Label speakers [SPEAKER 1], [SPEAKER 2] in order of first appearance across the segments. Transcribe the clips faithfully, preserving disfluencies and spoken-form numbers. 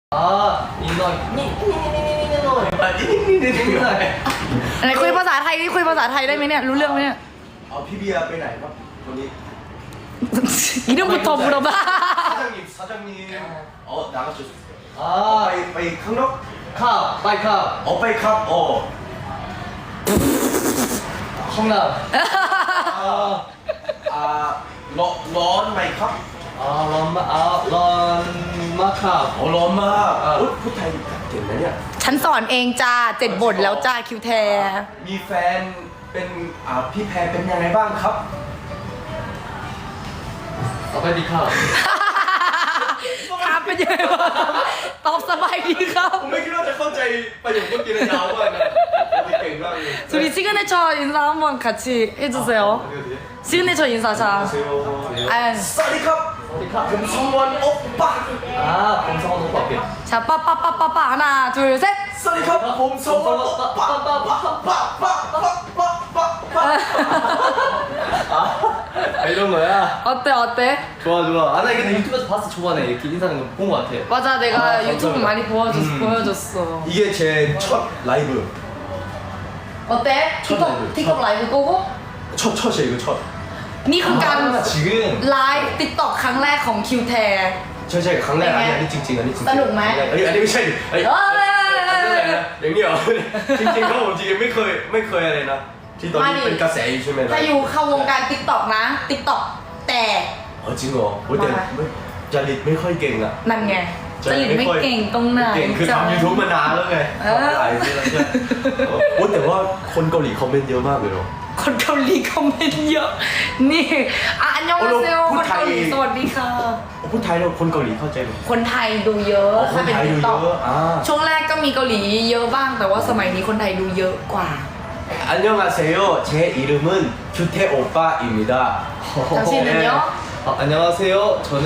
[SPEAKER 1] อ่านิดหน่อยนิดนิดนิดนิดนิดหน่อยนิดนิดนิดนิดหน่อย
[SPEAKER 2] ไหนคุยภาษาไทยนี่คุยภาษาไทยได้ไหมเนี่ยรู้เรื่องไหมเนี่ย
[SPEAKER 3] เอาพี่เบียร์ไปไหนครับวันนี้
[SPEAKER 2] 이름부터 물어봐.
[SPEAKER 3] 사장님 사장님 어 나가셨어요
[SPEAKER 1] อ่า
[SPEAKER 3] ไปไปข้างนอก
[SPEAKER 1] ข้าวไปข้าว
[SPEAKER 3] ออกไปครับอ๋อ
[SPEAKER 1] ห้องน้
[SPEAKER 3] อ่าอ่าร้อนร้อนไหมครับ
[SPEAKER 1] ำอ่าร้อนมากอ่าร้อนมากครับ
[SPEAKER 3] อ๋อร้อนมาก
[SPEAKER 1] อ่า
[SPEAKER 3] อุ๊ยพูดไทยเก่งนะเนี่ย
[SPEAKER 2] ฉันสอนเองจ้าเจ็ดบทแล้วจ้าคิวแท
[SPEAKER 3] มีแฟนเป็นอ่าพี่แพรเป็นยังไงบ้างครับ
[SPEAKER 1] เอาไปดีข้าว
[SPEAKER 2] ถามเป็นยังไงบ้างตอบสบายดีครับ
[SPEAKER 3] ผมไม่คิดว่าจะเข้าใจประโยคเมื่อกี้เลยยาวมากนะเก่งมากเลย
[SPEAKER 2] 우리 시그네처 인사 한번 같이 해주세요. 시그네처 인사 자. 아,
[SPEAKER 3] สวัสดีครับ
[SPEAKER 1] สวัสดีครับ
[SPEAKER 3] ผมสมวันโอปป้า
[SPEAKER 1] อ่าผมสองคนปรับเปลี่ยน
[SPEAKER 2] 자, 빠빠빠빠빠 하나, 둘, 셋.
[SPEAKER 3] สวัสดีครับผมสมวันโอปป้าป้าป้าป้าป้าป้าป้าป้าป้า
[SPEAKER 1] 아 이런 거야?
[SPEAKER 2] 어때 어때?
[SPEAKER 1] 좋아 좋아 아 나 근데 유튜브에서 봤어 초반에 이렇게 인사하는 거 본 거 같아
[SPEAKER 2] 맞아 내가
[SPEAKER 1] 아,
[SPEAKER 2] 유튜브
[SPEAKER 1] 감사합니다.
[SPEAKER 2] 많이 보여줬,
[SPEAKER 3] 음.
[SPEAKER 2] 보여줬어.
[SPEAKER 3] 이게 제 첫 라이브
[SPEAKER 2] 어때? 틱톡
[SPEAKER 3] 라이브,
[SPEAKER 2] 틱톡
[SPEAKER 3] 첫.
[SPEAKER 2] 라이브 보고?
[SPEAKER 3] 첫 첫이에요 이거 첫
[SPEAKER 2] นี่คือการ
[SPEAKER 1] 아, 지금
[SPEAKER 2] ไลฟ์ติ๊กต็อกครั้งแรกของคิวแท
[SPEAKER 3] 저 제가 강남
[SPEAKER 2] 네.
[SPEAKER 3] 아니 아니 찡찡 아니 찡찡
[SPEAKER 2] 떠놓네.
[SPEAKER 3] 아니 아니ไม่ใช่아니
[SPEAKER 2] เอ้ย
[SPEAKER 3] อย่างนี้เหรอจริงๆเขาผมจริงๆไม่เคยไม่เคยอะไรนะที่ตอนนี้เป็นกระแสอยู่ใช่ไหม
[SPEAKER 2] ถ้าอยู่เข้าวงการติ๊กต็อกนะติ๊กต็อกแต่
[SPEAKER 3] อ๋อจริงเหรอโอ้ยแต่ไม่จริตไม่ค่อยเก่งอะ
[SPEAKER 2] นั่นไงจริตไม่เก่งตรงไหน
[SPEAKER 3] เก่งคือ
[SPEAKER 2] จ๊ะ
[SPEAKER 3] ทำยูทูบมานานแล้วไง
[SPEAKER 2] เออ
[SPEAKER 3] หลายปีแล้วใช่โอ้ยแต่ว่าคนเกาหลีคอมเมนต์เยอะมากเลยเนาะ
[SPEAKER 2] คนเกาหลีคอมเมนต์เยอะนี่อ่ะอันยองอาเซล
[SPEAKER 3] พู
[SPEAKER 2] ค
[SPEAKER 3] ด
[SPEAKER 2] น
[SPEAKER 3] ไทย
[SPEAKER 2] เกาหลีสวัสดีค่ะ
[SPEAKER 3] พูดไทยแล้วคนเกาหลีเข้าใจไหม
[SPEAKER 2] คนไทยดูเยอะ
[SPEAKER 3] อ๋อคน
[SPEAKER 2] ถ้าเป็น
[SPEAKER 3] ไทย
[SPEAKER 2] ติ๊
[SPEAKER 3] ดู
[SPEAKER 2] กต็อก
[SPEAKER 3] เยอะอ่า
[SPEAKER 2] ช่วงแรกก็มีเกาหลีเยอะบ้าง แต่ว่าสมัยนี้คนไทยดูเยอะกว่า
[SPEAKER 3] 안녕하세요. 제 이름은 규태 오빠입니다.
[SPEAKER 2] 당신은요?
[SPEAKER 1] 아, 안녕하세요 저는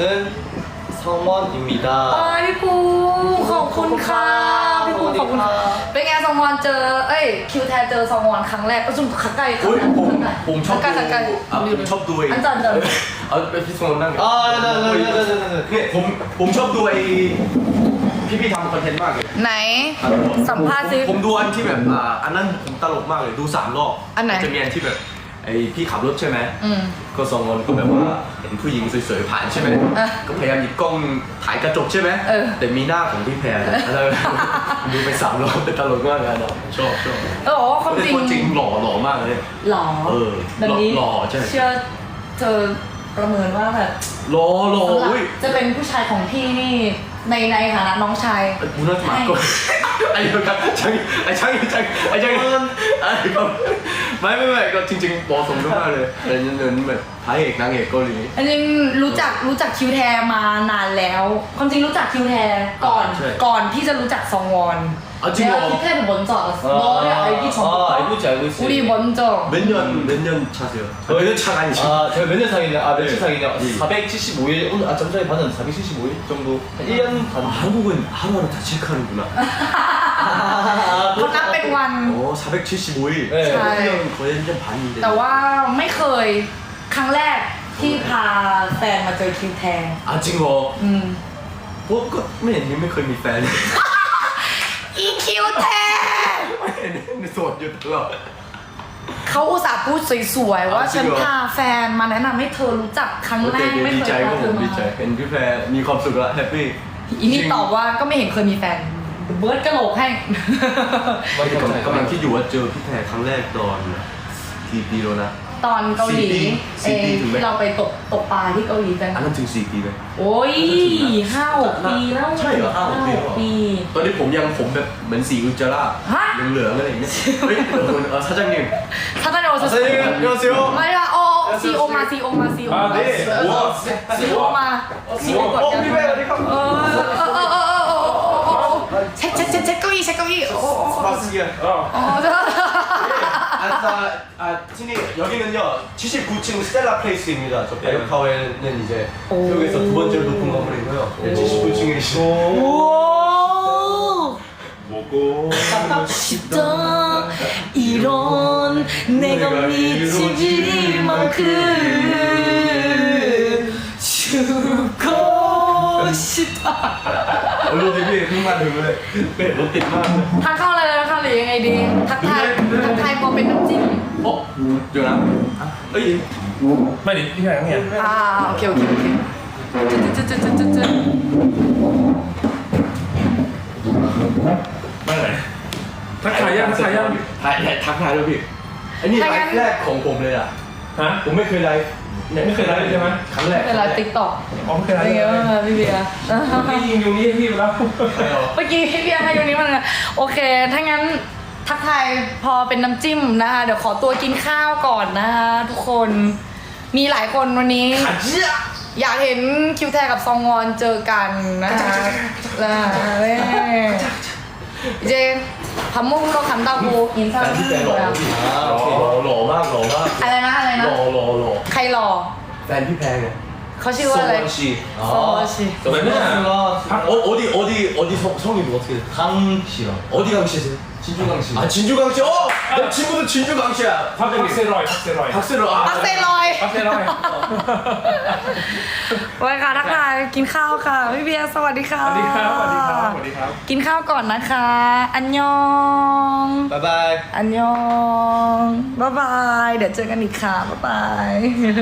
[SPEAKER 1] 성원입니다
[SPEAKER 2] เอ้ยพี่ภูขอบคุณค่ะพี่ภูขอบคุณค่ะเป็นไงซองวอนเจอเอ้ยคิวแทนเจอซองวอนครั้งแรกก็จุ่มขักไก่
[SPEAKER 3] โอ้ยผมผมชอบ
[SPEAKER 2] ขักไก่
[SPEAKER 3] ดู
[SPEAKER 2] ขักไก่
[SPEAKER 3] อ่ะผมชอบดูไอ้
[SPEAKER 2] อันจันเดิน
[SPEAKER 3] เอาไปพี่สมนั่ง
[SPEAKER 1] 아 네네네네네네
[SPEAKER 3] เนี่ยผมผมชอบดูไอ้พี่พี่ๆทำคอนเทนต์มากเลย
[SPEAKER 2] ไหน สัมภาษณ์ซิ
[SPEAKER 3] ผมผมดูอันที่แบบอ่าอันนั้นผมตลกมากเลยดูสามรอบ
[SPEAKER 2] อันไหน
[SPEAKER 3] จะมีอันที่แบบไอ้พี่ขับรถใช่ไหม
[SPEAKER 2] อืม
[SPEAKER 3] ก็สองคนก็แบบว่าเห็นผู้หญิงสวยๆผ่านใช่ไหม
[SPEAKER 2] อ่ะ
[SPEAKER 3] ก็พยายามหยิบกล้องถ่ายกระจกใช่ไหม
[SPEAKER 2] เออ
[SPEAKER 3] แต่มีหน้าของพี่แพรนะแล้วดูไปสามรอบแต่ตลกมากเลยนะชอบชอบ
[SPEAKER 2] เออบอกว่าความจริง
[SPEAKER 3] คนจริงหล่อหล่อมากเลย
[SPEAKER 2] หล่อ
[SPEAKER 3] เออ
[SPEAKER 2] แบบนี้
[SPEAKER 3] หล่อใช่
[SPEAKER 2] เชื่อเธอประเมินว่าแบบ
[SPEAKER 3] หล่อหล่อ
[SPEAKER 2] สำหรับ
[SPEAKER 3] อุ้ย
[SPEAKER 2] จะเป็นผู้ชายของพี่นี่ในในฐานะน้องชาย
[SPEAKER 3] บุญรัตน์มาก่อนไอ้เดียวกันช่างไอ้ช่างไอ้ช่างไอ้ช่างไอ้ก็ไม่ไม่ไม่ก็จริงๆเหมาะสมมากเลยเป็นเงินแบบพระเอกนางเอกเกาหลี
[SPEAKER 2] อันนี้รู้จักรู้จักคิวแทมานานแล้ว ความจริงรู้จักคิวแทก่อน
[SPEAKER 3] ใช่
[SPEAKER 2] ก่อนที่จะรู้จักซองวอน
[SPEAKER 3] อ๋อจริงเหรอ
[SPEAKER 2] คิวแท는 먼저 알았어. 너를 알기
[SPEAKER 1] 아
[SPEAKER 2] 전부터
[SPEAKER 1] 알고 있지 알고 있지
[SPEAKER 2] 우리 먼저.
[SPEAKER 3] 몇 년 몇 년 차세요? 몇 년 차가 아니죠?
[SPEAKER 1] 아 제가 몇 년 사귀냐 아 며칠
[SPEAKER 3] 네.
[SPEAKER 1] 사귀냐
[SPEAKER 3] 네.
[SPEAKER 1] 사백칠십오 일 오늘 아 점전에 봤는데 사백칠십오 일 정도 한 일 년 반
[SPEAKER 3] 아, 한국은 하루하루 다 체크하는구나.
[SPEAKER 1] 아,
[SPEAKER 2] เขานับเป็นวัน
[SPEAKER 3] 어, 사백칠십오 일.
[SPEAKER 1] 네.
[SPEAKER 2] 자.
[SPEAKER 3] 일 년 거의 일 년 반인데.
[SPEAKER 2] แต่ว่าไม่เคยครั้งแรกที่พาแฟนมาเจอคิวแท
[SPEAKER 3] 아, 징어.
[SPEAKER 2] อืม
[SPEAKER 3] 뭐, 그, 맨, 맨, 거의 미 팬.
[SPEAKER 2] อีคิวแท
[SPEAKER 3] 맨, 소, 유, 또.
[SPEAKER 2] เขาอุตส่าห์พูดสวยๆว่า
[SPEAKER 3] อ่ะจริ
[SPEAKER 2] ฉั
[SPEAKER 3] ง
[SPEAKER 2] น
[SPEAKER 3] เหรอ
[SPEAKER 2] พาแฟนมาแนะนำให้เธอรู้จักครั้งแรก
[SPEAKER 3] 어때?
[SPEAKER 2] ไม่เคย
[SPEAKER 3] ดีใจ
[SPEAKER 2] พา
[SPEAKER 3] ก็
[SPEAKER 2] เธ
[SPEAKER 3] ผ
[SPEAKER 2] อ
[SPEAKER 3] ม
[SPEAKER 2] มา
[SPEAKER 3] ดีใจเห็นพี่แพรมีความสุขแล้วแฮปปี้
[SPEAKER 2] อีนี่ตอบว่าก็ไม่เห็นเคยมีแฟนเบิร์ดกระโหลกให้
[SPEAKER 3] กำลังคิดอยู่ว่าเจอพี่แพรครั้งแรกตอนกี่ปีแล้วนะ
[SPEAKER 2] ตอนเกาหลี
[SPEAKER 3] สี่ปี
[SPEAKER 2] เอ
[SPEAKER 3] สี่ปีถึงไหม
[SPEAKER 2] ที่เราไปตกตกปลาที่เกาหลีกัน
[SPEAKER 3] อันนั้นถึงสี่ปีไหม
[SPEAKER 2] โอ้ยห้าหกปีแล้ว
[SPEAKER 3] ใช่เหรอห้าหกปีแล้วเหรอ
[SPEAKER 2] ปี
[SPEAKER 3] ตอนนี้ผมยังผมแบบเหมือนสีอุจจาระ
[SPEAKER 2] ฮะ
[SPEAKER 3] เหลืองๆอะไรอย่างเงี้ยเฮ้ยเดี๋ยวคุณเอ่อ사장님
[SPEAKER 2] ถ้าตอนนี้เราจะ
[SPEAKER 3] 사장님 안녕하세요
[SPEAKER 2] ไม่ละโอซีโอมาซีโอมาซีโอมา
[SPEAKER 3] 아, 네. 우와.
[SPEAKER 2] ซีโอมาซีโอกด
[SPEAKER 3] 어,
[SPEAKER 2] กัน
[SPEAKER 3] พี่แพรสวัสดีครับ
[SPEAKER 2] เออเออเออเออเออเออเออเช็คเช็คเช็คเช็คเก้าอี้เช็คเก้าอี้โอ้โห
[SPEAKER 3] 스파스기야. 어.
[SPEAKER 2] อ๋อเด้อ
[SPEAKER 3] 아, 아, 티니 여기는요 칠십구 층 스텔라 플레이스입니다. 저 베르카웨는 이제
[SPEAKER 2] 오.
[SPEAKER 3] 여기서 두 번째로 높은 건물이고요. 네, 칠십구 층에 계신.
[SPEAKER 2] โอ้
[SPEAKER 3] 먹고
[SPEAKER 2] 싶다 이런 내가 미칠 만큼 죽고 싶 싶다
[SPEAKER 3] โอ้ยรถติดพี่เพิ่งมาถึงเลยเป็ดรถติดมากเลย
[SPEAKER 2] ทานข้าวอะไรแล้วนะคะหรือยังไงดี ทักทายทักทายพอเป็นน้ำจิ้ม
[SPEAKER 3] โอ้เดี๋ยวนะเอ้ย
[SPEAKER 4] ไม่ดิพี่แพงเนี่ย
[SPEAKER 2] อ่าโอเคโอเคโอเคจุดจุดจุดจุดจุด
[SPEAKER 4] ไม่ไหนทักทายยังทักทายยัง
[SPEAKER 3] ถ่ายทักทายด้วยพี่อันนี้ไลฟ์แรกของผมเลยอ่ะ
[SPEAKER 4] ฮะ
[SPEAKER 3] ผมไม่เคยไลฟ์
[SPEAKER 4] ไม่เคยไลฟ์ใช่ไหม
[SPEAKER 3] ครั้งแรก
[SPEAKER 2] เวลาติ๊กต็อก
[SPEAKER 4] อ๋อไม่เคยไล
[SPEAKER 2] เป็น
[SPEAKER 4] ฟ์
[SPEAKER 2] ไงบ้างคะพี่เบียร์
[SPEAKER 4] พี่ยิงอยู่นี่ให้พี่ไปแล้ว
[SPEAKER 2] เมื่อกี้พี่เบียร์ให้ตรงนี้มันโอเค ถ้างั้นทักทายพอเป็นน้ำจิ้มนะคะ เดี๋ยวขอตัวกินข้าวก่อนนะคะทุกคน มีหลายคนวันนี้
[SPEAKER 3] ขัดเจี๊ย
[SPEAKER 2] อยากเห็นคิวแทกับซองวอนเจอกันนะคะแล้วเจพัมมุ่งโลคันดาโกอินซ่า
[SPEAKER 3] แต่ที่แฟนหล่อพี่หล่อหล่อมากหล่อมาก
[SPEAKER 2] อะไรนะอะไร
[SPEAKER 3] ห
[SPEAKER 2] นะ
[SPEAKER 3] ล่อหล่อหล่อ
[SPEAKER 2] ใครหล่อ
[SPEAKER 3] แฟนพี่แพงไง
[SPEAKER 2] เขาชื่อว่าอะไร
[SPEAKER 3] โซวอนชี
[SPEAKER 2] โซวอนชี
[SPEAKER 4] 왜냐
[SPEAKER 3] 어, 어디 어디 어디 성, 성이 뭐 어떻게 돼?
[SPEAKER 1] 강씨요.
[SPEAKER 3] 어디 강씨세요?
[SPEAKER 1] 진주강씨.
[SPEAKER 3] 아 진주 강씨. 어! 내 친구도 진주 강씨야.
[SPEAKER 4] 박세로이 박세로이
[SPEAKER 3] 박세로. 아.
[SPEAKER 2] ปักเซลอย
[SPEAKER 4] 박세로이
[SPEAKER 2] ไว้ค่ะทักทายกินข้าวค่ะพี่เบียร์สวัสดีค่ะ
[SPEAKER 4] สวัสดีครับสวัสดีครับสวัสดีครับ
[SPEAKER 2] กินข้าวก่อนนะคะ อันยอง
[SPEAKER 3] 바이바이.
[SPEAKER 2] อันยองบ๊ายบายเดี๋ยวเจอกันอีกค่ะบ๊ายบาย